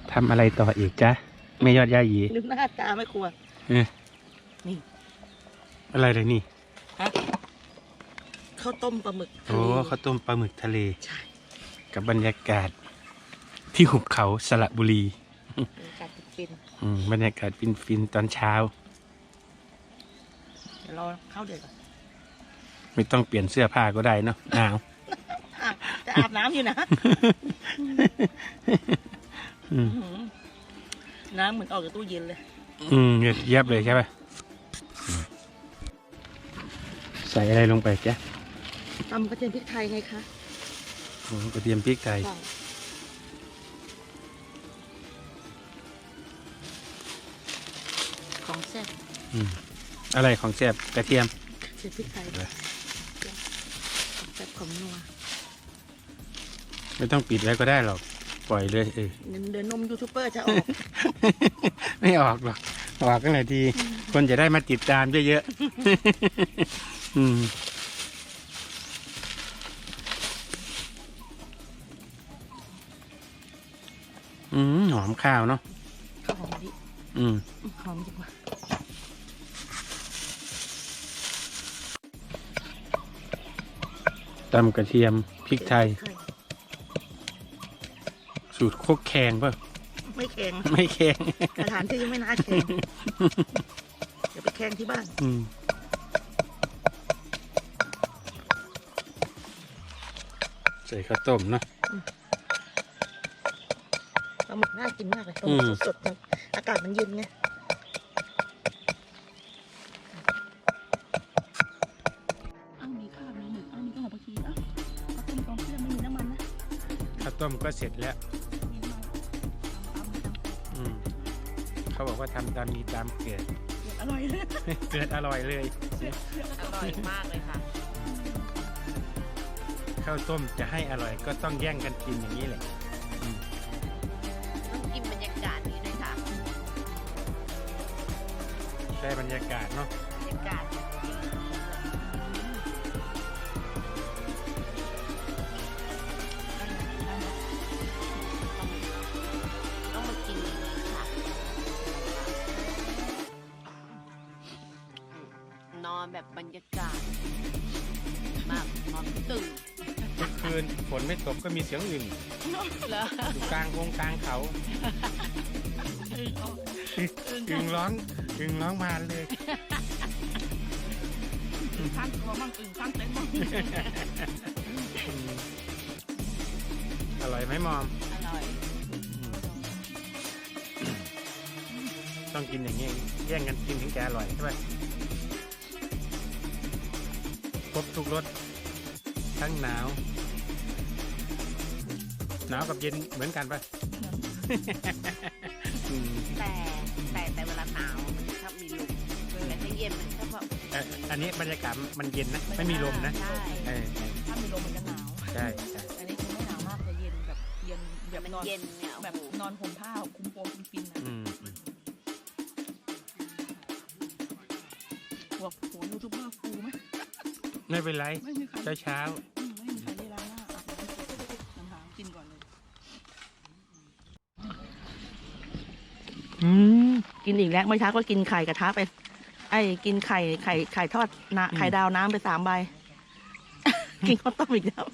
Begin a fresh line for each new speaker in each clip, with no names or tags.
ทำอะไรต่ออีกจ๊ะไม่ยอดย่าหยี
ลืมหน้าตาไม่ครัวนี่
อะไรเลยนี่
ฮะข้าวต้มปลาหมึกทะ
โอ้
เล
ข้าวต้มปลาหมึกทะเล
ใช่
กับบรรยากาศที่หุบเขาสระบุรี
บรรยากาศฟิน
บรรยากาศฟินๆตอนเช้า
เดี๋ยวรอเข้าเดือดก่อน
ไม่ต้องเปลี่ยนเสื้อผ้าก็ได้เนาะหนาว
จะอาบน้ำอยู่นะน้ำเหมือนออกจากตู้เย็นเลย
เย็บเลยใช่ป่ะใส่อะไรลงไปจ๊ะ
ตำกระเทียมพริกไทยไงคะ
กระเทียมพริกไทย
ของแซ่บ
อะไรของแซ่บกระเทียม
กระเทียมพริกไทยของแซ่บของนัว
ไม่ต้องปิดไว้ก็ได้หรอกปล่อยเลย
เดี๋ยวนมยูทูบเบอร์จะออก
ไม่ออกหรอกออกกันไหนทีคนจะได้มาติดตามเยอะๆหอมข้าวเนาะ
ข้าวหอมดิหอมดีกว่า
ตำกระเทียมพริกไทย สูตรโคกแขงป่ะ
ไม่แข็ง
ไม่แข็ง
สถานที่ไม่น่าแข็งเดี๋ยวไปแข่งที่บ้าน
ใส่ข้าวต้มเนาะ
ปลาหมึกน่ากินมากเลยปลาหมึกสดๆนะอากาศมันเย็นไงมีข้าวมีหมึกมีข้าวหอมผักชีข้าวต้มกองเพื่อนไม่มีน้ำมันนะ
ข้าวต้มก็เสร็จแล้วเขาบอกว่าทำตามมีตามเกิด
อร่อยเลย
เกิดอร่อยเลย
อร่อยมากเลยค่ะ
ข้าวต้มจะให้อร่อยก็ต้องแย่งกันกินอย่างนี้แหละ
ต้องกินบรรยากาศนี้ด้วยค่ะ
ได้บรรยากาศเนาะ
บรรยากาศต้องมากินค่ะนอนแบบบรรยากาศมากนอนตื่น
เมื่อคืนฝนไม่ตกก็มีเสียงอื่น
เหรอ
อยู่กลางวงกลางเขาอึ่งร้องมาเลย
ข้างตัวมั่งข้างเต็นท์มั่ง
อร่อยไหมมอม
อร่อย
ต้องกินอย่างนี้แย่งกันกินถึงจะอร่อยใช่ไหมครบทุกรสทั้งหนาวกับเย็นเหมือนกันปะ
แต่เวลาหนาวมันชอบมีลมแต่ถ้าเย็นมันชอบแบบ
อันนี้บรรยากาศมันเย็นนะไม่มีลมนะ
ใช่ถ้ามีลมมันจะหนาว
ใช่
อันนี้คือไม่หนาวมากแต่เย็นแบบเย็นแบบนอน
เย็นเนี่ย
แบบนอนห่มผ้าคุมโปงคุมปินนะหัวยูทูบเบอร์ฟูไหม
ไม่เป็นไร
ไม่มีใคร
เช้า
ไม่มีใครได้ล้างหน้าอาบน้ำหากินก่อนเลยกินอีกแล้วเมื่อเช้าก็กินไข่กระทะไปกินไข่ทอดนะไข่ดาวน้ำไป3 ใบ กินข้าวต้มอีกแล้ว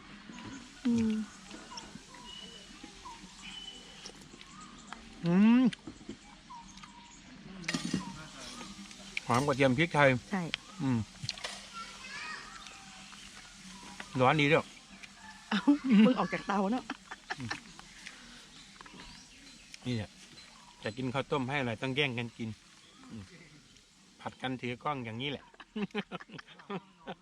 หอมกระเทียมพริกไทย
ใช่
ร้อนดีด้วย
เพิ่งออกจากเตาเนาะ
นี่แหละจะกินข้าวต้มให้อร่อยต้องแย่งกันกินผัดกันถือกล้องอย่างนี้แหละ